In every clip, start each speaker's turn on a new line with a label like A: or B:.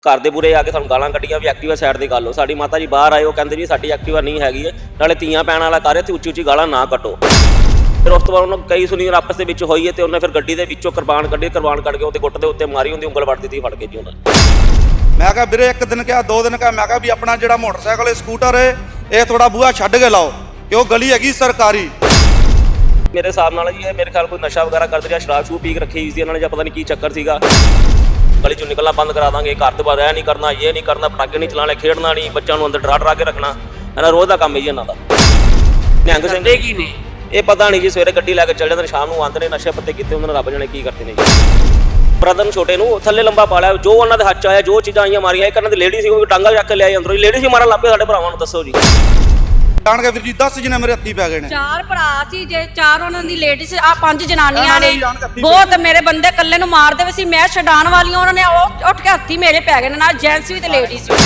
A: घर ਦੇ ਬੁਰੇ ਆ ਕੇ ਸਾਨੂੰ ਗਾਲਾਂ ਕੱਢੀਆਂ ਵੀ ਐਕਟਿਵਾ ਸਾਈਡ ਤੇ ਕਰ ਲਓ। ਸਾਡੀ ਮਾਤਾ ਜੀ ਬਾਹਰ ਆਏ, ਉਹ ਕਹਿੰਦੇ ਜੀ ਸਾਡੀ ਐਕਟਿਵਾ ਨਹੀਂ ਹੈਗੀ ਹੈ, ਨਾਲੇ ਤੀਆਂ ਪੈਣ ਵਾਲਾ ਕਰ ਤੇ ਉੱਚੀ ਉੱਚੀ ਗਾਲਾਂ ਨਾ ਕੱਢੋ। ਫਿਰ ਉਸ ਤੋਂ ਬਾਅਦ ਉਹਨਾਂ ਕਈ ਸੁਣੀ ਆਪਸ ਦੇ ਵਿੱਚ ਹੋਈ ਹੈ ਤੇ ਉਹਨੇ ਫਿਰ ਗੱਡੀ ਦੇ ਵਿੱਚੋਂ ਕਿਰਪਾਨ ਕੱਢੀ, ਕਿਰਪਾਨ ਕੱਢ ਕੇ ਉਹਦੇ ਗੁੱਟ ਦੇ ਉੱਤੇ ਮਾਰੀ, ਉਹਦੀ ਉਂਗਲ ਵੱਢ ਦਿੱਤੀ ਫੜ ਕੇ ਜੀ ਉਹਨਾਂ ਨੇ।
B: ਮੈਂ ਕਿਹਾ ਵੀਰੇ ਇੱਕ ਦਿਨ ਕਿਹਾ 2 ਦਿਨ ਕਿਹਾ, ਮੈਂ ਕਿਹਾ ਵੀ ਆਪਣਾ ਜਿਹੜਾ ਮੋਟਰਸਾਈਕਲ ਸਕੂਟਰ ਹੈ ਇਹ ਥੋੜਾ ਬੂਹਾ ਛੱਡ ਕੇ ਲਾਓ ਕਿ ਉਹ ਗਲੀ ਹੈਗੀ ਸਰਕਾਰੀ।
A: ਮੇਰੇ ਹਿਸਾਬ ਨਾਲ ਜੀ ਇਹ ਮੇਰੇ ਖਿਆਲ ਕੋਈ ਨਸ਼ਾ ਵਗੈਰਾ ਕਰਦੇ ਜਾਂ ਸ਼ਰਾਬ ਸ਼ੂਬ ਪੀ ਕੇ ਰੱਖੀ ਸੀ ਇਹਨਾਂ ਨੇ, ਜਾਂ ਪਤਾ ਨਹੀਂ ਕੀ ਚੱਕਰ ਸੀਗਾ। ਗਲੀ ਚੋਂ ਨਿਕਲਣਾ ਬੰਦ ਕਰਾ ਦਾਂਗੇ, ਘਰ ਤੋਂ ਬਾਹਰ ਇਹ ਨਹੀਂ ਕਰਨਾ, ਇਹ ਨਹੀਂ ਕਰਨਾ, ਪਟਾਕੇ ਨਹੀਂ ਚਲਾਣੇ, ਖੇਡਣਾ ਨਹੀਂ, ਬੱਚਿਆਂ ਨੂੰ ਅੰਦਰ ਡਰਾ ਕੇ ਰੱਖਣਾ, ਇਹਨਾਂ ਰੋਜ਼ ਦਾ ਕੰਮ ਹੈ ਜੀ ਇਹਨਾਂ ਦਾ। ਨਿਹੰਗ ਸਿੰਘ
C: ਕੀ ਨੇ
A: ਇਹ ਪਤਾ ਨਹੀਂ ਜੀ, ਸਵੇਰੇ ਗੱਡੀ ਲੈ ਕੇ ਚੱਲ ਜਾਂਦੇ ਨੇ, ਸ਼ਾਮ ਨੂੰ ਆਉਂਦੇ ਨੇ, ਨਸ਼ੇ ਪੱਤੇ ਕੀਤੇ ਉਹਨਾਂ ਨੇ, ਰੱਬ ਜਾਣੇ ਕੀ ਕਰਦੇ ਨੇ ਜੀ। ਬ੍ਰਦਰ ਨੂੰ ਛੋਟੇ ਨੂੰ ਥੱਲੇ ਲੰਬਾ ਪਾ ਲਿਆ, ਜੋ ਉਹਨਾਂ ਦੇ ਹੱਥ 'ਚ ਆਇਆ, ਜੋ ਚੀਜ਼ਾਂ ਆਈਆਂ ਮਾਰੀਆਂ। ਇੱਕ ਇਹਨਾਂ ਦੀ ਲੇਡੀ ਸੀ, ਉਹ ਡਾਂਗਾ ਚੱਕ ਕੇ ਲਿਆਈ ਅੰਦਰੋਂ, ਲੇਡੀ ਸੀ ਮਾਰਨ ਲੱਗ ਪਏ ਸਾਡੇ ਭਰਾਵਾਂ ਨੂੰ। ਦੱਸੋ ਜੀ
B: ਜਾਣ ਕੇ ਵੀਰ ਜੀ 10 ਜਣੇ ਮੇਰੇ ਹੱਥੀ ਪੈ ਗਏ ਨੇ।
D: 4 ਭਰਾ ਸੀ, ਜੇ 4 ਉਹਨਾਂ ਦੀ ਲੇਡੀਜ਼ ਆ, 5 ਜਨਾਨੀਆਂ ਨੇ। ਬਹੁਤ ਮੇਰੇ ਬੰਦੇ ਇਕੱਲੇ ਨੂੰ ਮਾਰ ਦੇਵੇ ਸੀ, ਮੈਂ ਛਡਾਣ ਵਾਲੀਆਂ, ਉਹਨਾਂ ਨੇ ਉਹ ਉੱਠ ਕੇ ਹੱਥੀ ਮੇਰੇ ਪੈ ਗਏ ਨੇ, ਨਾਲ ਜੈਂਟਸ ਵੀ ਤੇ ਲੇਡੀਜ਼ ਵੀ।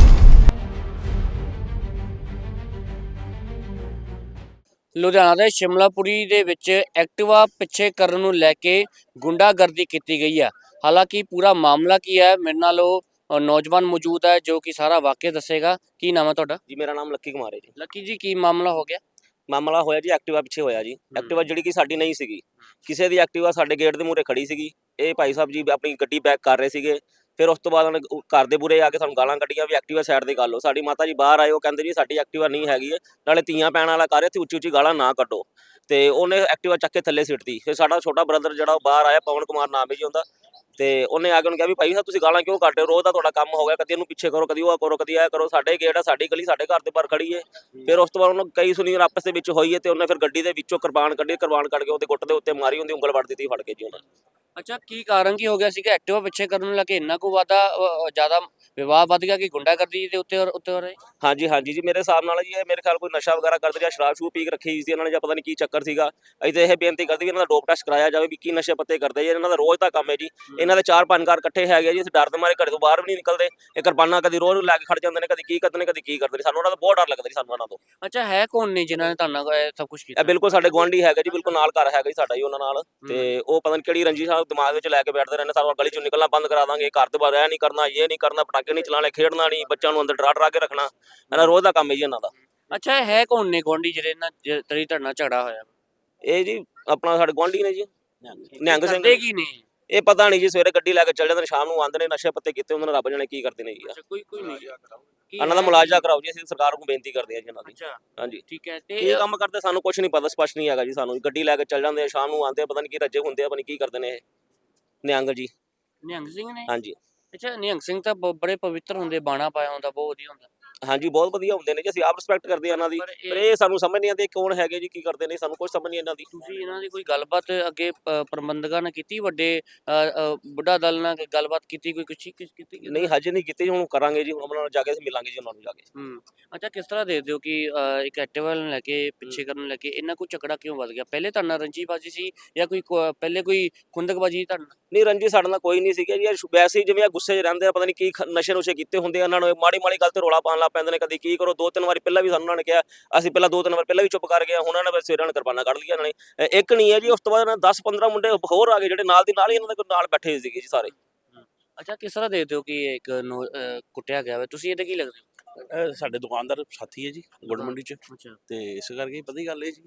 C: ਲੁਧਿਆਣਾ ਦੇ ਸ਼ਿਮਲਾਪੁਰੀ ਦੇ ਵਿੱਚ ਐਕਟਿਵਾ ਪਿੱਛੇ ਕਰਨ ਨੂੰ ਲੈ ਕੇ ਗੁੰਡਾਗਰਦੀ ਕੀਤੀ ਗਈ ਹੈ। ਹਾਲਾਂਕਿ ਪੂਰਾ ਮਾਮਲਾ ਕੀ ਹੈ, ਮੇਰੇ ਨਾਲ ਉਹ ਨੌਜਵਾਨ ਮੌਜੂਦ ਹੈ ਜੋ ਕਿ ਸਾਰਾ ਵਾਕਿਆ ਦੱਸੇਗਾ। ਕੀ ਨਾਮ ਹੈ ਤੁਹਾਡਾ?
A: ਜੀ ਮੇਰਾ ਨਾਮ ਲੱਕੀ ਕੁਮਾਰ ਹੈ ਜੀ।
C: ਲੱਕੀ ਜੀ, ਕੀ ਮਾਮਲਾ ਹੋ ਗਿਆ?
A: ਮਾਮਲਾ ਹੋਇਆ ਜੀ ਐਕਟਿਵਾ ਪਿੱਛੇ ਹੋਇਆ ਜੀ। ਐਕਟਿਵਾ ਜਿਹੜੀ ਕਿ ਸਾਡੀ ਨਹੀਂ ਸੀਗੀ, ਕਿਸੇ ਦੀ ਐਕਟਿਵਾ ਸਾਡੇ ਗੇਟ ਦੇ ਮੂਹਰੇ ਖੜੀ ਸੀਗੀ। ਇਹ ਭਾਈ ਸਾਹਿਬ ਜੀ ਆਪਣੀ ਗੱਡੀ ਬੈਕ ਕਰ ਰਹੇ ਸੀਗੇ। ਫਿਰ ਉਸ ਤੋਂ ਬਾਅਦ ਉਹਨੇ ਘਰ ਦੇ ਬੁਰੇ ਆ ਕੇ ਸਾਨੂੰ ਗਾਲਾਂ ਕੱਢੀਆਂ ਵੀ ਐਕਟਿਵਾ ਸਾਈਡ ਤੇ ਕਰ ਲਓ। ਸਾਡੀ ਮਾਤਾ ਜੀ ਬਾਹਰ ਆਏ, ਉਹ ਕਹਿੰਦੇ ਜੀ ਸਾਡੀ ਐਕਟਿਵਾ ਨਹੀਂ ਹੈਗੀ ਹੈ, ਨਾਲੇ ਤੀਆਂ ਪੈਣ ਵਾਲਾ ਕਰ ਤੇ ਉੱਚੀ ਉੱਚੀ ਗਾਲਾਂ ਨਾ ਕੱਢੋ। ਤੇ ਉਹਨੇ ਐਕਟਿਵਾ ਚੱਕ ਕੇ ਥੱਲੇ ਸਿੱਟਤੀ। ਫਿਰ ਸਾਡਾ ਛੋਟਾ ਬ੍ਰਦਰ ਜਿਹੜਾ ਉਹ ਬਾਹਰ ਆਇਆ, ਪਵਨ ਕੁਮਾਰ ਨਾਮ ਹੈ ਜੀ ਉਹਦਾ, ਤੇ ਉਹਨੇ ਆ ਕੇ ਉਹਨੂੰ ਕਿਹਾ ਵੀ ਭਾਈ ਸਾਹਿਬ ਤੁਸੀਂ ਗਾਲਾਂ ਕਿਉਂ ਕੱਢ ਰਹੇ ਹੋ, ਰੋਜ਼ ਦਾ ਤੁਹਾਡਾ ਕੰਮ ਹੋ ਗਿਆ, ਕਦੀ ਇਹਨੂੰ ਪਿੱਛੇ ਕਰੋ, ਕਦੀ ਉਹ ਕਰੋ, ਕਦੀ ਇਹ ਕਰੋ, ਸਾਡੇ ਗੇਟ ਆ, ਸਾਡੀ ਗਲੀ, ਸਾਡੇ ਘਰ ਦੇ ਬਾਹਰ ਖੜੀ ਹੈ। ਫਿਰ ਉਸ ਤੋਂ ਬਾਅਦ ਉਹਨੂੰ ਕਈ ਸੁਣੀ ਆਪਸ ਦੇ ਵਿੱਚ ਹੋਈ ਹੈ ਤੇ ਉਹਨੇ ਫਿਰ ਗੱਡੀ ਦੇ ਵਿੱਚੋਂ ਕਿਰਪਾਨ ਕੱਢੀ, ਕਿਰਪਾਨ ਕੱਢ ਕੇ ਉਹਦੇ ਗੁੱਟ ਦੇ ਉੱਤੇ ਮਾਰੀ, ਉਹਦੀ ਉਂਗਲ ਵੱਢ ਦਿੱਤੀ ਫੜ ਕੇ ਜੀ ਉਹਨਾਂ ਨੇ।
C: ਅੱਛਾ, ਕੀ ਕਾਰਨ ਕੀ ਹੋ ਗਿਆ ਸੀਗਾ? ਐਕਟਿਵਾ ਪਿੱਛੇ ਕਰਨ ਨੂੰ ਲੈ ਕੇ ਇੰਨਾ ਕੁ ਜ਼ਿਆਦਾ ਵਿਵਾਦ ਵੱਧ ਗਿਆ ਕਿ ਗੁੰਡਾਗਰਦੀ ਦੇ ਉੱਤੇ ਹੋ ਰਹੇ?
A: ਹਾਂਜੀ ਜੀ ਮੇਰੇ ਹਿਸਾਬ ਨਾਲ ਜੀ ਇਹ ਮੇਰੇ ਖਿਆਲ ਕੋਈ ਨਸ਼ਾ ਵਗੈਰਾ ਕਰਦੇ ਜਾਂ ਸ਼ਰਾਬ ਸ਼ੂਬ ਪੀ ਕੇ ਰੱਖੀ ਸੀ ਇਹਨਾਂ ਨੇ, ਜਾਂ ਪਤਾ ਨਹੀਂ ਕੀ ਚੱਕਰ ਸੀਗਾ। ਅਸੀਂ ਤਾਂ ਇਹ ਬੇਨਤੀ ਕਰਦੇ ਵੀ ਇਹਨਾਂ ਦਾ ਡੋਪ ਟੈਸਟ ਕਰਾਇਆ ਜਾਵੇ ਵੀ ਕੀ ਨਸ਼ੇ ਪੱਤੇ ਕਰਦੇ ਜੀ। ਇਹਨਾਂ ਦਾ ਰੋਜ਼ ਦਾ ਕੰਮ ਹੈ ਜੀ। ਇਹਨਾਂ ਦੇ 4-5 ਘਰ ਇਕੱਠੇ ਹੈਗੇ ਜੀ। ਅਸੀਂ ਡਰ ਦੇ ਮਾਰੇ ਘਰੇ ਤੋਂ ਬਾਹਰ ਵੀ ਨਹੀਂ ਨਿਕਲਦੇ। ਇਹ ਕਿਰਪਾਨਾਂ ਕਦੀ ਰੋਜ਼ ਲੈ ਕੇ ਖੜ ਜਾਂਦੇ ਨੇ, ਕਦੀ ਕੀ ਕਰਦੇ ਨੇ, ਕਦੀ ਕੀ ਕਰਦੇ ਨੇ। ਸਾਨੂੰ ਉਹਨਾਂ ਦਾ ਬਹੁਤ ਡਰ ਲੱਗਦਾ ਜੀ, ਸਾਨੂੰ ਉਹਨਾਂ ਤੋਂ।
C: ਅੱਛਾ, ਹੈ ਕੌਣ ਨੇ ਜਿਨ੍ਹਾਂ ਨੇ ਤੁਹਾਨੂੰ ਇਹ ਸਭ ਕੁਝ ਕੀਤਾ?
A: ਇਹ ਬਿਲਕੁਲ ਸਾਡੇ ਗੁਆਂਢੀ ਹੈਗਾ ਜੀ, ਬਿਲਕੁਲ ਨਾਲ ਘਰ ਹੈਗਾ ਜੀ ਸਾਡਾ ਜੀ ਉਹਨਾਂ ਨਾਲ। ਤੇ ਉਹ ਪਤਾ ਨਹੀਂ ਕਿਹੜੀ ਰੰਜੀ ਸਾਹਿਬ ਦਿਮਾਗ ਵਿੱਚ ਲੈ ਕੇ ਬੈਠਦੇ ਰਹਿੰਦੇ, ਸਾਨੂੰ ਗਲੀ ਚੋਂ ਨਿਕਲਣਾ ਬੰਦ ਕਰਾ ਦਾਂਗੇ, ਘਰ ਤੋਂ ਬਾਹਰ ਇਹ ਨਹੀਂ ਕਰਨਾ, ਇਹ ਨਹੀਂ ਕਰਨਾ, ਪਟਾਕੇ ਨਹੀਂ ਚਲਾਣੇ, ਖੇਡਣਾ ਨਹੀਂ, ਬੱਚਿਆਂ ਨੂੰ ਅੰਦਰ ਡਰਾ ਕੇ ਰੱਖਣਾ, ਇਹਨਾਂ ਰੋਜ਼ ਦਾ ਕੰਮ ਹੈ ਜੀ ਇਹਨਾਂ ਦਾ।
C: ਅੱਛਾ, ਹੈ ਕੌਣ ਨੇ ਗੁਆਂਢੀ ਜਿਹੜੇ ਨਾਲ ਤੇਰੀ ਤੁਹਾਡੇ ਝਗੜਾ ਹੋਇਆ?
A: ਇਹ ਜੀ ਆਪਣਾ ਸਾਡੇ ਗੁਆਂਢੀ ਨੇ ਜੀ, ਨਿਹੰਗ ਸਿੰਘ।
C: ਕੀ ਨੇ
A: ਇਹ ਪਤਾ ਨਹੀਂ ਜੀ, ਸਵੇਰੇ ਗੱਡੀ ਲੈ ਕੇ ਚੱਲ ਜਾਂਦੇ ਨੇ, ਸ਼ਾਮ ਨੂੰ ਆਉਂਦੇ ਨੇ, ਨਸ਼ੇ ਪੱਤੇ ਕੀਤੇ ਉਹਨਾਂ ਨੇ, ਰੱਬ ਜਾਣੇ ਕੀ ਕਰਦੇ ਨੇ ਜੀ।
C: ਕੋਈ ਨਹੀਂ
A: ਇਹਨਾਂ ਦਾ ਮੁਲਾਜ਼ਾ ਕਰਾਓ ਜੀ, ਅਸੀਂ ਸਰਕਾਰ ਨੂੰ ਬੇਨਤੀ ਕਰਦੇ ਹਾਂ ਜੀ ਇਹਨਾਂ ਦੀ।
C: ਅੱਛਾ,
A: ਹਾਂਜੀ
C: ਠੀਕ ਹੈ।
A: ਤੇ ਇਹ ਕੰਮ ਕਰਦੇ ਸਾਨੂੰ ਕੁਝ ਨਹੀਂ ਪਤਾ, ਸਪਸ਼ਟ ਨਹੀਂ ਹੈਗਾ ਜੀ ਸਾਨੂੰ। ਗੱਡੀ ਲੈ ਕੇ ਚੱਲ ਜਾਂਦੇ ਆ, ਸ਼ਾਮ ਨੂੰ ਆਉਂਦੇ ਆ, ਪਤਾ ਨਹੀਂ ਕੀ ਰੱਜੇ ਹੁੰਦੇ ਆ, ਪਤਾ ਨਹੀਂ ਕੀ ਕਰਦੇ ਨੇ ਇਹ ਨਿਹੰਗ ਜੀ।
C: ਨਿਹੰਗ ਸਿੰਘ ਨੇ?
A: ਹਾਂਜੀ।
C: ਅੱਛਾ, ਨਿਹੰਗ ਸਿੰਘ ਤਾਂ ਬੜੇ ਪਵਿੱਤਰ ਹੁੰਦੇ, ਬਾਣਾ ਪਾਇਆ ਹੁੰਦਾ, ਬਹੁਤ ਵਧੀਆ ਹੁੰਦਾ।
A: ਹਾਂਜੀ ਬਹੁਤ ਵਧੀਆ ਹੁੰਦੇ ਨੇ ਜੀ, ਅਸੀਂ ਆਪ ਰਿਸਪੈਕਟ ਕਰਦੇ ਆ ਇਹਨਾਂ ਦੀ। ਪਰ ਇਹ ਸਾਨੂੰ ਸਮਝ ਨਹੀਂ ਆਉਂਦੇ ਕੌਣ ਹੈਗੇ ਜੀ, ਕੀ ਕਰਦੇ ਨੇ, ਸਾਨੂੰ ਕੁਝ ਸਮਝ ਨਹੀਂ ਇਹਨਾਂ ਦੀ।
C: ਤੁਸੀਂ ਇਹਨਾਂ ਦੀ ਕੋਈ ਗੱਲਬਾਤ ਅੱਗੇ ਪ੍ਰਬੰਧਕਾਂ ਨਾਲ ਕੀਤੀ? ਵੱਡੇ ਬੁੱਢਾ ਦਲ ਨਾਲ ਗੱਲਬਾਤ ਕੀਤੀ? ਕੋਈ ਕੁਛ ਕੀਤੀ?
A: ਨਹੀਂ ਹਜੇ ਨਹੀਂ ਕੀਤੀ, ਹੁਣ ਕਰਾਂਗੇ ਜੀ, ਹੁਣ ਉਹਨਾਂ ਨਾਲ ਜਾ ਕੇ ਅਸੀਂ ਮਿਲਾਂਗੇ ਜੀ ਉਹਨਾਂ ਨੂੰ ਜਾ ਕੇ।
C: ਅੱਛਾ, ਕਿਸ ਤਰ੍ਹਾਂ ਦੇਖਦੇ ਹੋ ਕਿ ਇੱਕ ਐਕਟਿਵਾ ਨੂੰ ਲੈ ਕੇ ਪਿੱਛੇ ਕਰਨ ਨੂੰ ਲੈ ਕੇ ਇੰਨਾ ਕੁ ਝਗੜਾ ਕਿਉਂ ਵੱਧ ਗਿਆ? ਪਹਿਲੇ ਤੁਹਾਡੇ ਨਾਲ ਰੰਜੀਬਾਜੀ ਸੀ ਜਾਂ ਕੋਈ ਪਹਿਲੇ ਕੋਈ ਖੁੰਦਕਬਾਜੀ ਤੁਹਾਡੇ ਨਾਲ?
A: ਨਹੀਂ ਰੰਜੀ ਸਾਡੇ ਨਾਲ ਕੋਈ ਨਹੀਂ ਸੀਗਾ ਜੀ। ਵੈਸੇ ਹੀ ਜਿਵੇਂ ਗੁੱਸੇ 'ਚ ਰਹਿੰਦੇ ਆ, ਪਤਾ ਨਹੀਂ ਕੀ ਨਸ਼ੇ ਨੁਸ਼ੇ ਕੀਤੇ ਹੁੰਦੇ ਆ ਇਹਨਾਂ ਨੂੰ, ਮਾੜੀ ਗੱਲ ਤੇ ਰੌਲਾ ਪਾਉਣ ਲੱਗ ਪੈਂਦੇ ਨੇ, ਕਦੀ ਕੀ ਕਰੋ। 2-3 ਵਾਰੀ ਪਹਿਲਾਂ ਵੀ ਸਾਨੂੰ ਉਹਨਾਂ ਨੇ ਕਿਹਾ, ਅਸੀਂ ਪਹਿਲਾਂ 2-3 ਵਾਰ ਪਹਿਲਾਂ ਵੀ ਚੁੱਪ ਕਰ ਗਏ। ਹੁਣ ਉਹਨਾਂ ਨੇ ਸਵੇਰਾਂ ਨੂੰ ਕਿਰਪਾਨਾਂ ਕੱਢ ਲਈਆਂ ਇਹਨਾਂ ਨੇ। ਇੱਕ ਨਹੀਂ ਹੈ ਜੀ, ਉਸ ਤੋਂ ਬਾਅਦ 10-15 ਮੁੰਡੇ ਹੋਰ ਆ ਗਏ ਜਿਹੜੇ ਨਾਲ ਦੀ ਨਾਲ ਹੀ ਇਹਨਾਂ ਦੇ ਨਾਲ ਬੈਠੇ ਸੀਗੇ ਜੀ ਸਾਰੇ।
C: ਅੱਛਾ, ਕਿਸ ਤਰ੍ਹਾਂ ਦੇਖਦੇ ਹੋ ਕਿ ਇੱਕ ਕੁੱਟਿਆ ਗਿਆ ਵਾ? ਤੁਸੀਂ ਇਹਦੇ ਕੀ ਲੱਗਦੇ ਹੋ?
E: ਸਾਡੇ ਦੁਕਾਨਦਾਰ ਸਾਥੀ ਹੈ ਜੀ ਗੁੜ ਮੰਡੀ ਚ।
C: ਅੱਛਾ,
E: ਤੇ ਇਸ ਕਰਕੇ ਪਤਾ ਹੀ ਗੱਲ ਇਹ ਜੀ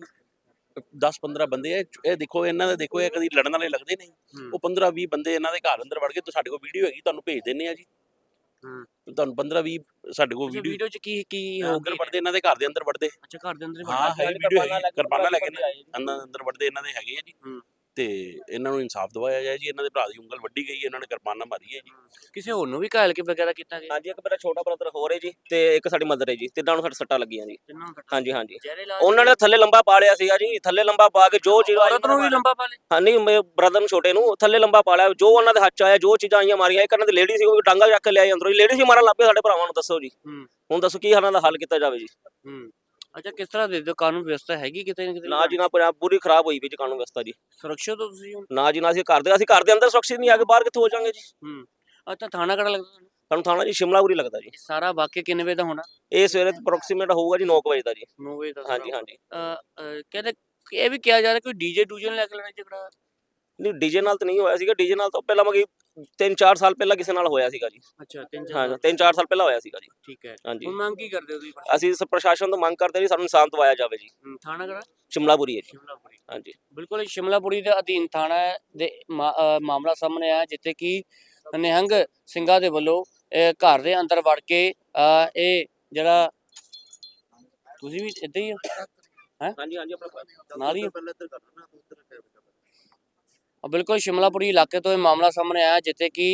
E: 10-15 ਬੰਦੇ ਆ। ਇਹ ਦੇਖੋ ਇਹਨਾਂ ਦੇ, ਦੇਖੋ ਇਹ ਕਦੀ ਲੜਨ ਵਾਲੇ ਲੱਗਦੇ ਨਹੀਂ। ਉਹ 15-20 ਬੰਦੇ ਇਹਨਾਂ ਦੇ ਘਰ ਅੰਦਰ ਵੜ ਕੇ, ਸਾਡੇ ਕੋਲ ਵੀਡੀਓ ਹੈਗੀ, ਤੁਹਾਨੂੰ ਭੇਜ ਦਿੰਨੇ ਆ ਜੀ। ਤੁਹਾਨੂੰ 15-20 ਸਾਡੇ ਕੋਲ
C: ਵੀਡੀਓ ਚ ਕੀ
E: ਅੰਦਰ ਵੜਦੇ, ਇਹਨਾਂ ਦੇ ਘਰ ਦੇ ਅੰਦਰ ਵੜਦੇ।
C: ਅੱਛਾ, ਘਰ ਦੇ ਅੰਦਰ?
E: ਹਾਂ ਹੈ ਵੀਡੀਓ ਹੈਗੀ, ਕਿਰਪਾਨਾਂ ਲੈ ਕੇ ਅੰਦਰ ਵੜਦੇ ਇਹਨਾਂ ਦੇ ਹੈਗੇ ਆ ਜੀ। ਤੇ ਇਹਨਾਂ ਨੂੰ ਇਨਸਾਫ ਦਵਾਇਆ ਜਾਏ ਜੀ। ਇਹਨਾਂ ਦੇ ਭਰਾ ਦੀ ਉਂਗਲ ਵੱਢੀ ਗਈ, ਇਹਨਾਂ ਨੇ ਕਿਰਪਾਨਾਂ ਮਾਰੀ ਹੈ ਜੀ।
C: ਕਿਸੇ ਹੋਰ ਨੂੰ ਵੀ ਘਾਇਲ ਵਗੈਰਾ ਕੀਤਾ ਗਿਆ?
A: ਹਾਂਜੀ, ਇੱਕ ਮੇਰਾ ਛੋਟਾ ਬ੍ਰਦਰ ਹੋਰ ਹੈ ਜੀ, ਤੇ ਇੱਕ ਸਾਡੀ ਮਦਰ ਹੈ ਜੀ। ਤਿੰਨਾਂ ਨੂੰ ਸੱਟਾਂ ਲੱਗੀਆਂ ਜੀ। ਹਾਂਜੀ ਉਹਨਾਂ ਨੇ ਥੱਲੇ ਲੰਬਾ ਪਾ ਲਿਆ ਸੀਗਾ ਜੀ, ਥੱਲੇ ਲੰਬਾ ਪਾ ਕੇ ਜੋ ਚੀਜ਼
C: ਵੀ ਲੰਬਾ ਪਾ ਲਿਆ।
A: ਹਾਂ ਨਹੀਂ, ਮੇਰੇ ਬ੍ਰਦਰ ਨੂੰ ਛੋਟੇ ਨੂੰ ਥੱਲੇ ਲੰਬਾ ਪਾ ਲਿਆ, ਜੋ ਉਹਨਾਂ ਦੇ ਹੱਥ 'ਚ ਆਇਆ, ਜੋ ਚੀਜ਼ਾਂ ਆਈਆਂ ਮਾਰੀਆਂ। ਇੱਕ ਇਹਨਾਂ ਦੀ ਲੇਡੀ ਸੀ, ਉਹ ਡਾਂਗਾ ਚੱਕ ਕੇ ਲਿਆਈ ਅੰਦਰੋਂ, ਲੇਡੀ ਸੀ ਮਾਰਨ ਲੱਗ ਪਏ ਸਾਡੇ ਭਰਾਵਾਂ ਨੂੰ। ਦੱਸੋ ਜੀ ਹੁਣ ਦੱਸੋ ਕੀ ਇਹਨਾਂ ਦਾ ਹੱਲ ਕੀਤਾ ਜਾਵੇ ਜੀ।
C: ਅੱਛਾ, ਕਿਸ ਤਰ੍ਹਾਂ ਦੇ ਕਾਨੂੰਨ ਵਿਵਸਥਾ ਹੈਗੀ ਕਿਤੇ ਨਾ ਕਿਤੇ?
A: ਨਾ ਜੀ ਨਾ, ਪੰਜਾਬ ਪੂਰੀ ਖਰਾਬ ਹੋਈ ਵੀ ਜੀ ਕਾਨੂੰਨ ਵਿਵਸਥਾ ਜੀ।
C: ਸੁਰੱਖਿਅਤ ਹੋ ਤੁਸੀਂ?
A: ਨਾ ਜੀ ਨਾ, ਅਸੀਂ ਘਰ ਦੇ ਅੰਦਰ ਸੁਰੱਖਿਅਤ ਨਹੀਂ ਆ ਕੇ ਬਾਹਰ ਕਿੱਥੋਂ ਹੋ ਜਾਾਂਗੇ ਜੀ।
C: ਅੱਛਾ, ਥਾਣਾ ਕਿਹੜਾ ਲੱਗਦਾ ਤੁਹਾਨੂੰ?
A: ਸਾਨੂੰ ਥਾਣਾ ਜੀ ਸ਼ਿਮਲਾਪੁਰੀ ਲੱਗਦਾ ਜੀ।
C: ਸਾਰਾ ਵਾਕਿਆ ਕਿੰਨੇ ਵਜੇ ਦਾ ਹੋਣਾ?
A: ਇਹ ਸਵੇਰੇ ਅਪਰੋਕਸੀਮੇਟ ਹੋਊਗਾ ਜੀ 9 ਵਜੇ ਦਾ ਜੀ।
C: 9 ਵਜੇ ਦਾ?
A: ਹਾਂਜੀ।
C: ਕਹਿੰਦੇ ਇਹ ਵੀ ਕਿਹਾ ਜਾ ਰਿਹਾ ਕੋਈ ਡੀਜੇ ਡੂਜੇ ਨੂੰ ਲੈ ਕੇ ਲੜਾਈ ਝਗੜਾ?
A: ਨਹੀਂ ਡੀਜੇ ਨਾਲ ਤਾਂ ਨਹੀਂ ਹੋਇਆ ਸੀਗਾ। ਡੀਜੇ ਨਾਲ ਤਾਂ ਪਹਿਲਾਂ ਮਗੀ 3-4 ਸਾਲ ਪਹਿਲਾਂ ਕਿਸੇ ਨਾਲ ਹੋਇਆ ਸੀਗਾ ਜੀ।
C: ਅੱਛਾ 3-4
A: ਹਾਂ 3-4 ਸਾਲ ਪਹਿਲਾਂ ਹੋਇਆ ਸੀਗਾ ਜੀ।
C: ਠੀਕ ਹੈ।
A: ਹਾਂਜੀ।
C: ਹੁਣ ਮੰਗ ਕੀ ਕਰਦੇ ਹੋ ਤੁਸੀਂ?
A: ਅਸੀਂ ਪ੍ਰਸ਼ਾਸਨ ਤੋਂ ਮੰਗ ਕਰਦੇ ਜੀ ਸਾਨੂੰ ਇਨਸਾਫ ਦਿਵਾਇਆ ਜਾਵੇ ਜੀ।
C: ਥਾਣਾ ਕਿਹੜਾ?
A: ਸ਼ਿਮਲਾਪੁਰੀ ਹੈ ਜੀ।
C: ਸ਼ਿਮਲਾਪੁਰੀ।
A: ਹਾਂਜੀ।
C: ਬਿਲਕੁਲ ਸ਼ਿਮਲਾਪੁਰੀ ਦੇ ਅਧੀਨ ਥਾਣਾ ਦੇ ਮਾਮਲਾ ਸਾਹਮਣੇ ਆਇਆ, ਜਿੱਥੇ ਕਿ ਨਿਹੰਗ ਸਿੰਘਾਂ ਦੇ ਵੱਲੋਂ ਘਰ ਦੇ ਅੰਦਰ ਵੜ ਕੇ ਇਹ ਜਿਹੜਾ ਤੁਸੀਂ ਵੀ ਇੱਦਾਂ ਹੀ ਹੋ
A: ਹਾਂਜੀ ਹਾਂਜੀ ਆਪਣਾ
C: ਨਾਲ ਹੀ ਹੋ? ਬਿਲਕੁਲ ਸ਼ਿਮਲਾਪੁਰੀ ਇਲਾਕੇ ਤੋਂ ਇਹ ਮਾਮਲਾ ਸਾਹਮਣੇ ਆਇਆ, ਜਿੱਥੇ ਕਿ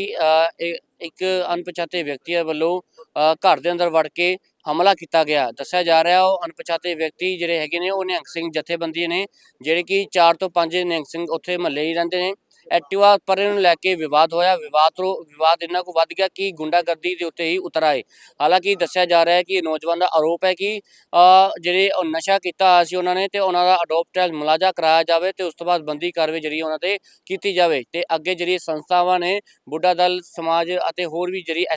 C: ਇੱਕ ਅਣਪਛਾਤੇ ਵਿਅਕਤੀਆਂ ਵੱਲੋਂ ਘਰ ਦੇ ਅੰਦਰ ਵੜ ਕੇ ਹਮਲਾ ਕੀਤਾ ਗਿਆ। ਦੱਸਿਆ ਜਾ ਰਿਹਾ ਉਹ ਅਣਪਛਾਤੇ ਵਿਅਕਤੀ ਜਿਹੜੇ ਹੈਗੇ ਨੇ ਉਹ ਨਿਹੰਗ ਸਿੰਘ ਜਥੇਬੰਦੀ ਨੇ, ਜਿਹੜੇ ਕਿ 4 ਤੋਂ 5 ਨਿਹੰਗ ਸਿੰਘ ਉੱਥੇ ਮਹੱਲੇ ਹੀ ਰਹਿੰਦੇ ਨੇ। ਐਕਟਿਵਾ ਪਰੇ ਨੂੰ ਲੈ ਕੇ ਵਿਵਾਦ ਹੋਇਆ। ਵਿਵਾਦ ਇੰਨਾ ਕੁ ਵੱਧ ਗਿਆ ਕਿ ਗੁੰਡਾਗਰਦੀ ਦੇ ਉੱਤੇ ਹੀ ਉਤਰ ਆਏ। ਹਾਲਾਂਕਿ ਦੱਸਿਆ ਜਾ ਰਿਹਾ ਹੈ ਕਿ ਨੌਜਵਾਨ ਦਾ ਆਰੋਪ ਹੈ ਕਿ ਜਿਹੜੇ ਉਹ ਨਸ਼ਾ ਕੀਤਾ ਹੋਇਆ ਸੀ ਉਹਨਾਂ ਨੇ, ਤੇ ਉਹਨਾਂ ਦਾ ਅਡੋਪਟ ਮੁਲਾਜ਼ਾ ਕਰਾਇਆ ਜਾਵੇ ਤੇ ਉਸ ਤੋਂ ਬਾਅਦ ਬੰਦੀ ਕਾਰਵਾਈ ਜਿਹੜੀ ਉਹਨਾਂ ਤੇ ਕੀਤੀ ਜਾਵੇ। ਤੇ ਅੱਗੇ ਜਿਹੜੀ ਸੰਸਥਾਵਾਂ ਨੇ ਬੁੱਢਾ ਦਲ ਸਮਾਜ ਅਤੇ ਹੋਰ ਵੀ ਜਿਹੜੀ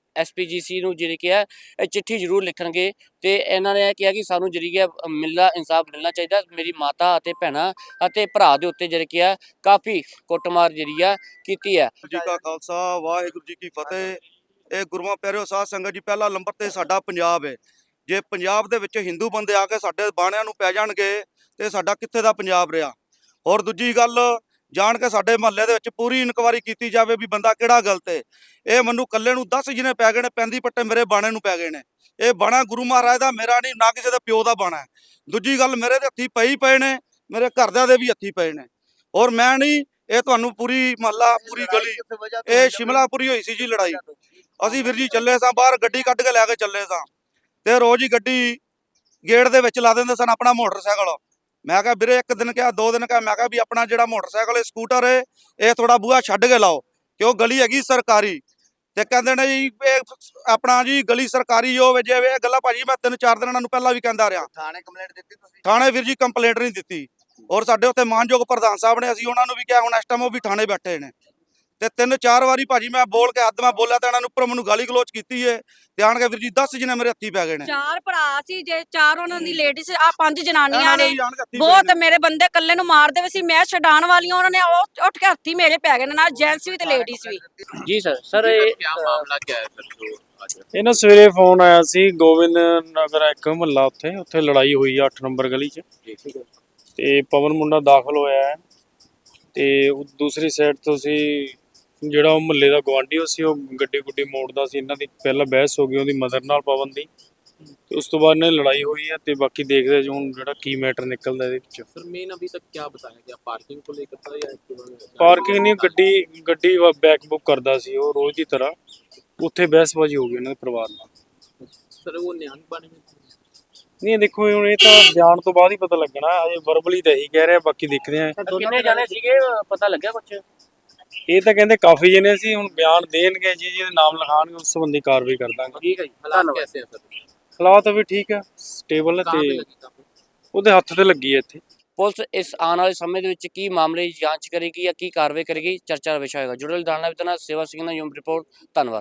C: SPGC ਨੂੰ ਜਿਹੜੀ ਕਿ ਹੈ ਇਹ ਚਿੱਠੀ ਜ਼ਰੂਰ ਲਿਖਣਗੇ, ਤੇ ਇਹਨਾਂ ਨੇ ਇਹ ਕਿਹਾ ਕਿ ਸਾਨੂੰ ਜਿਹੜੀ ਹੈ ਇਨਸਾਫ ਮਿਲਣਾ ਚਾਹੀਦਾ। ਮੇਰੀ ਮਾਤਾ ਅਤੇ ਭੈਣਾਂ ਅਤੇ ਭਰਾ ਦੇ ਉੱਤੇ ਜਿਹੜੀ ਕਿ ਹੈ ਕਾਫੀ ਕੁੱਟਮਾਰ ਜਿਹੜੀ ਆ ਕੀਤੀ ਹੈ।
B: ਜੀ ਕਾ ਖਾਲਸਾ ਵਾਹਿਗੁਰੂ ਜੀ ਕੀ ਫਤਿਹ। ਇਹ ਗੁਰੂਆਂ ਪਿਆਰਿਓ ਸਾਧ ਸੰਗਤ ਜੀ, ਪਹਿਲਾ ਨੰਬਰ ਤੇ ਸਾਡਾ ਪੰਜਾਬ ਹੈ। ਜੇ ਪੰਜਾਬ ਦੇ ਵਿੱਚ ਹਿੰਦੂ ਬੰਦੇ ਆ ਕੇ ਸਾਡੇ ਬਾਣਿਆਂ ਨੂੰ ਪੈ ਜਾਣਗੇ ਤੇ ਸਾਡਾ ਕਿੱਥੇ ਦਾ ਪੰਜਾਬ ਰਿਹਾ। ਹੋਰ ਦੂਜੀ ਗੱਲ, ਜਾਣ ਕੇ ਸਾਡੇ ਮਹੱਲੇ ਦੇ ਵਿੱਚ ਪੂਰੀ ਇਨਕੁਆਇਰੀ ਕੀਤੀ ਜਾਵੇ ਵੀ ਬੰਦਾ ਕਿਹੜਾ ਗਲਤ ਹੈ। ਇਹ ਮੈਨੂੰ ਕੱਲੇ ਨੂੰ 10 ਜਿਹਨੇ ਪੈ ਗਏ ਨੇ, ਪੈਂਦੀ ਪੱਟੇ ਮੇਰੇ ਬਾਣੇ ਨੂੰ ਪੈ ਗਏ ਨੇ। ਇਹ ਬਾਣਾ ਗੁਰੂ ਮਹਾਰਾਜ ਦਾ, ਮੇਰਾ ਨਹੀਂ, ਨਾ ਕਿਸੇ ਦੇ ਪਿਓ ਦਾ ਬਾਣਾ ਹੈ। ਦੂਜੀ ਗੱਲ, ਮੇਰੇ ਦੇ ਹੱਥੀ ਪਏ ਨੇ, ਮੇਰੇ ਘਰਦਿਆਂ ਦੇ ਵੀ ਹੱਥੀ ਪਏ ਨੇ। ਔਰ ਮੈਂ ਨਹੀਂ, ਇਹ ਤੁਹਾਨੂੰ ਪੂਰੀ ਮਹੱਲਾ ਪੂਰੀ ਗਲੀ, ਇਹ ਸ਼ਿਮਲਾਪੁਰੀ ਹੋਈ ਸੀ ਜੀ ਲੜਾਈ। ਅਸੀਂ ਵੀਰ ਜੀ ਚੱਲੇ ਸਾਂ ਬਾਹਰ, ਗੱਡੀ ਕੱਢ ਕੇ ਲੈ ਕੇ ਚੱਲੇ ਸਾਂ, ਤੇ ਰੋਜ਼ ਹੀ ਗੱਡੀ ਗੇਟ ਦੇ ਵਿੱਚ ਲਾ ਦਿੰਦੇ ਸਨ ਆਪਣਾ ਮੋਟਰਸਾਈਕਲ। ਮੈਂ ਕਿਹਾ ਵੀਰੇ, ਇੱਕ ਦਿਨ ਕਿਹਾ 2 ਦਿਨ ਕਿਹਾ, ਮੈਂ ਕਿਹਾ ਵੀ ਆਪਣਾ ਜਿਹੜਾ ਮੋਟਰਸਾਈਕਲ ਸਕੂਟਰ ਹੈ ਇਹ ਥੋੜਾ ਬੂਹਾ ਛੱਡ ਕੇ ਲਾਓ, ਕਿਉਂ ਗਲੀ ਹੈਗੀ ਸਰਕਾਰੀ। ਤੇ ਕਹਿੰਦੇ ਨੇ ਜੀ ਇਹ ਆਪਣਾ ਜੀ ਗਲੀ ਸਰਕਾਰੀ ਹੋਵੇ ਜਿਵੇਂ ਇਹ ਗੱਲਾਂ ਭਾਜੀ ਮੈਂ 3-4 ਦਿਨਾਂ ਨੂੰ ਪਹਿਲਾਂ ਵੀ ਕਹਿੰਦਾ ਰਿਹਾ।
F: ਥਾਣੇ ਕੰਪਲੇਂਟ ਦਿੱਤੀ ਤੁਸੀਂ?
B: ਥਾਣੇ ਵੀਰ ਜੀ ਕੰਪਲੇਂਟ ਨਹੀਂ ਦਿੱਤੀ। ਔਰ ਸਾਡੇ ਉੱਥੇ ਮਾਨਯੋਗ ਪ੍ਰਧਾਨ ਸਾਹਿਬ ਨੇ, ਅਸੀਂ ਉਹਨਾਂ ਨੂੰ ਵੀ ਕਿਹਾ, ਹੁਣ ਇਸ ਟਾਈਮ ਉਹ ਵੀ ਥਾਣੇ ਬੈਠੇ ਨੇ। ਤੇ 3-4 ਵਾਰੀ ਭਾਜੀ ਮੈਂ ਬੋਲ ਕੇ ਹੱਦ ਮੈਂ ਬੋਲਿਆ ਤੇ ਇਹਨਾਂ ਨੂੰ ਉੱਪਰ ਮੈਨੂੰ ਗਾਲੀ ਗਲੋਚ ਕੀਤੀ ਏ। ਤੇ ਆਣ ਕੇ ਵੀਰ ਜੀ 10 ਜਿਹਨੇ ਮੇਰੇ ਹੱਥੀ ਪੈ ਗਏ ਨੇ।
D: 4 ਭਰਾ ਸੀ, ਜੇ 4 ਉਹਨਾਂ ਦੀ ਲੇਡੀਜ਼, ਆ 5 ਜਨਾਨੀਆਂ
B: ਇਹਨਾਂ
D: ਨੇ।
B: ਵੀ ਆਣ ਕੇ ਹੱਥੀਂ ਪੈ
D: ਬਹੁਤ
B: ਗਏ ਨੇ।
D: ਮੇਰੇ ਬੰਦੇ ਕੱਲੇ ਨੂੰ ਮਾਰਦੇ ਵੀ ਸੀ, ਮੈਂ ਛਡਾਣ ਵਾਲੀਆਂ, ਉਹਨਾਂ ਨੇ ਉਹ ਉੱਠ ਕੇ ਹੱਥੀ ਮੇਰੇ ਪੈ ਗਏ ਨੇ, ਨਾਲ ਜੈਂਟਸ ਵੀ ਤੇ ਲੇਡੀਜ਼ ਵੀ।
C: ਜੀ ਸਰ ਇਹ
F: ਮਾਮਲਾ ਕੀ ਹੈ ਸਰ?
G: ਇਹ ਨਾ ਸਵੇਰੇ ਫੋਨ ਆਇਆ ਸੀ ਗੋਬਿੰਦ ਨਗਰ ਇੱਕ ਮਹੱਲਾ, ਉੱਥੇ ਲੜਾਈ ਹੋਈ ਆ 8 ਨੰਬਰ ਗਲੀ 'ਚ, ਤੇ ਪਵਨ ਮੁੰਡਾ ਦਾਖਲ ਹੋਇਆ ਹੈ। ਤੇ ਦੂਸਰੀ ਸਾਈਡ ਤੋਂ ਸੀ ਜਿਹੜਾ ਉਹ ਮਹੱਲੇ ਦਾ ਗਵਾਂਢੀ ਸੀ, ਉਹ ਗੱਡੀ ਗੁੱਡੀ ਮੋੜਦਾ ਸੀ। ਇਹਨਾਂ ਦੀ ਪਹਿਲਾਂ ਬਹਿਸ ਹੋ ਗਈ ਉਹਦੀ ਮਦਰ ਨਾਲ ਪਵਨ ਦੀ, ਤੇ ਉਸ ਤੋਂ ਬਾਅਦ ਇਹਨਾਂ ਦੀ ਲੜਾਈ ਹੋਈ ਹੈ। ਤੇ ਬਾਕੀ ਦੇਖਦੇ ਜੀ ਹੁਣ ਜਿਹੜਾ ਕੀ ਮੈਟਰ ਨਿਕਲਦਾ ਇਹਦੇ ਵਿੱਚ।
F: सर मेन अभी तक क्या बताया गया, पार्किंग को लेकर था या
G: ਪਾਰਕਿੰਗ ਨਹੀਂ, ਗੱਡੀ ਬੈਕ ਬੁੱਕ ਕਰਦਾ ਸੀ ਉਹ ਰੋਜ਼ ਦੀ ਤਰ੍ਹਾਂ। ਉੱਥੇ ਬਹਿਸਬਾਜ਼ੀ ਹੋ ਗਈ ਉਹਨਾਂ ਦੇ ਪਰਿਵਾਰ ਨਾਲ।
F: सर वो निहंग बने हुए थे?
G: ਨਹੀਂ ਦੇਖੋ ਹੁਣ ਇਹ ਤਾਂ ਬਿਆਨ ਤੋਂ ਬਾਅਦ ਹੀ ਪਤਾ ਲੱਗਣਾ, ਹਜੇ ਵਰਬਲੀ ਤਾਂ ਇਹੀ ਕਹਿ ਰਿਹਾ, ਬਾਕੀ ਦੇਖਦੇ ਆ।
C: ਕਿੰਨੇ ਜਾਣੇ ਸੀਗੇ, ਪਤਾ ਲੱਗਿਆ ਕੁਛ?
G: ਇਹ ਤਾਂ ਕਹਿੰਦੇ ਕਾਫੀ ਜਣੇ ਸੀ, ਹੁਣ ਬਿਆਨ ਦੇਣਗੇ ਜੀ, ਜਿਹਦੇ ਨਾਮ ਲਿਖਾਣਗੇ ਉਸ ਸੰਬੰਧੀ ਕਾਰਵਾਈ ਕਰ ਦਾਂਗੇ।
C: ਠੀਕ ਹੈ ਜੀ,
F: हालात
C: ਧੰਨਵਾਦ।
F: कैसे हैं सर?
G: ਹਾਲਾਤ ਵੀ ਠੀਕ ਆ, ਸਟੇਬਲ ਨੇ,
F: कहाँ पे
G: ਤੇ
F: लगी काफी?
G: ਉਹਦੇ ਹੱਥ ਤੇ ਲੱਗੀ ਹੈ ਇੱਥੇ।
C: ਪੁਲਿਸ ਇਸ ਆਉਣ ਵਾਲੇ ਸਮੇਂ ਦੇ ਵਿੱਚ ਕੀ ਮਾਮਲੇ ਦੀ ਜਾਂਚ ਕਰੇਗੀ ਜਾਂ ਕੀ ਕਾਰਵਾਈ ਕਰੇਗੀ, ਚਰਚਾ ਦਾ ਵਿਸ਼ਾ ਹੋਏਗਾ। ਜੁੜੇ ਰਹਿਣ ਲਈ ਸੇਵਾ ਸਿੰਘ ਦਾ ਯੂਮ ਰਿਪੋਰਟ। ਧੰਨਵਾਦ।